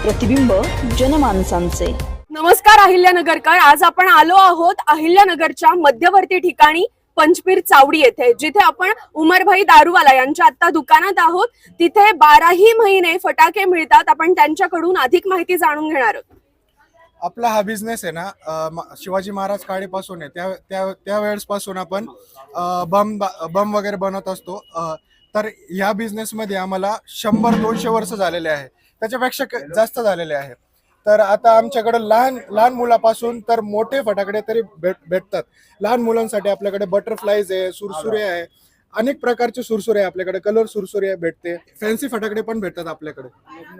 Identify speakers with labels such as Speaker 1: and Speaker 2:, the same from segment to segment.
Speaker 1: प्रतिबिंब जनमानसांचे।
Speaker 2: नमस्कार अहिल्यानगरकर, आज आपण आलो आहोत अहिल्यानगरच्या मध्यवर्ती ठिकाणी पंचपीर चावडी येथे, जिथे आपण उमरभाई दारूवाला यांच्या आता दुकानात आहोत। तिथे 12ही महिने फटाके मिळतात। आपण त्यांच्याकडून अधिक माहिती जाणून घेणार आहोत।
Speaker 3: आपला हा बिझनेस आहे ना, शिवाजी महाराज काळीपासून आहे। त्या वेळेस पासून आपण बम वगैरे बनवत असतो। तर या बिझनेस मध्ये आम्हाला 100-200 वर्ष झालेले आहे, त्याच्यापेक्षा जास्त झालेले आहे। तर आता आमच्याकडे लहान मुलापासून तर मोठे फटाकडे तरी भेटतात। लहान मुलांसाठी आपल्याकडे बटरफ्लाईज आहे, सुरसुरे आहे, अनेक प्रकारचे सुरसुरे आहे आपल्याकडे, कलर सुरसुरे भेटते, फॅन्सी फटाकडे पण भेटतात आपल्याकडे।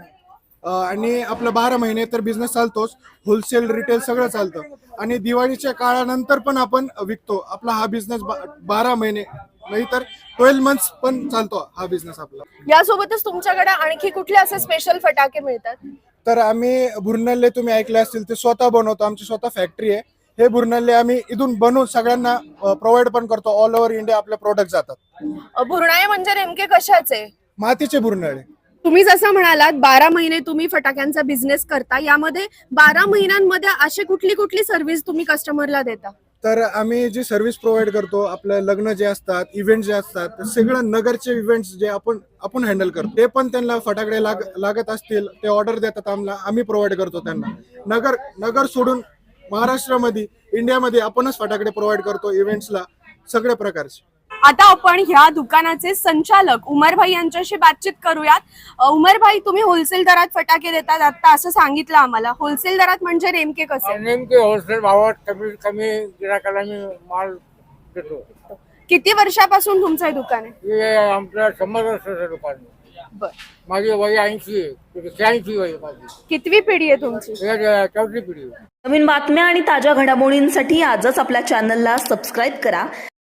Speaker 3: आणि आपलं 12 महिने तर बिझनेस चालतोच, होलसेल रिटेल सगळं चालतं। आणि दिवाळीच्या काळानंतर पण आपण विकतो। आपला हा बिझनेस 12 महिने नाही तर 12 मंथ्स पण चालतो हा बिझनेस आपला।
Speaker 2: यासोबतच तुमच्याकडे आणखी कुठले असे स्पेशल फटाके मिळतात?
Speaker 3: तर आम्ही भुरनल्ले तुम्ही ऐकले असतील, ते स्वतः बनवतो, आमची स्वतः फॅक्टरी आहे। हे भुरनल्ले आम्ही इथून बनवून सगळ्यांना प्रोव्हाइड पण करतो। ऑल ओव्हर इंडिया आपले प्रोडक्ट जातात।
Speaker 2: भुरणाळे म्हणजे नेमके कशाचे?
Speaker 3: मातीचे भुरनळे।
Speaker 2: तुम्ही जसं म्हणालात 12 महिने तुम्ही फटाक्यांचा बिझनेस करता, यामध्ये 12 महिन्यांमध्ये अशी कुठली सर्व्हिस तुम्ही कस्टमरला देता?
Speaker 3: तर आम्ही जी सर्व्हिस प्रोव्हाइड करतो, आपलं लग्न जे असतात, इव्हेंट जे असतात, सगळं नगरचे इव्हेंट्स जे आपण हँडल करतो, ते पण त्यांना फटाकडे लागत असतील ते ऑर्डर देतात आम्ही प्रोव्हाइड करतो त्यांना। नगर सोडून महाराष्ट्रामध्ये, इंडियामध्ये आपणच फटाकडे प्रोव्हाइड करतो इव्हेंट्सला, सगळ्या प्रकारचे।
Speaker 2: आता आपण ह्या दुकानाचे संचालक उमरभाई यांच्याशी बातचीत करूयात। उमरभाई, तुम्ही होलसेल दरात फटाके देतात आता असं सांगितलं आम्हाला। होलसेल दरात म्हणजे नेमके कसे?
Speaker 4: नेमके होलसेल भावात कमी गिराकाला मी माल देतो।
Speaker 2: किती वर्षापासून तुमचं हे दुकान आहे?
Speaker 4: हे आमचं 100 वर्षाचं दुकान आहे।
Speaker 2: बर,
Speaker 4: माझी वय 80 आहे, 86 वय माझी।
Speaker 2: कितवी पिढी आहे तुमची?
Speaker 4: हे 4थी पिढी आहे।
Speaker 1: नवीन बातम्या आणि ताज्या घडामोडींसाठी आजच आपल्या चॅनलला सबस्क्राईब करा।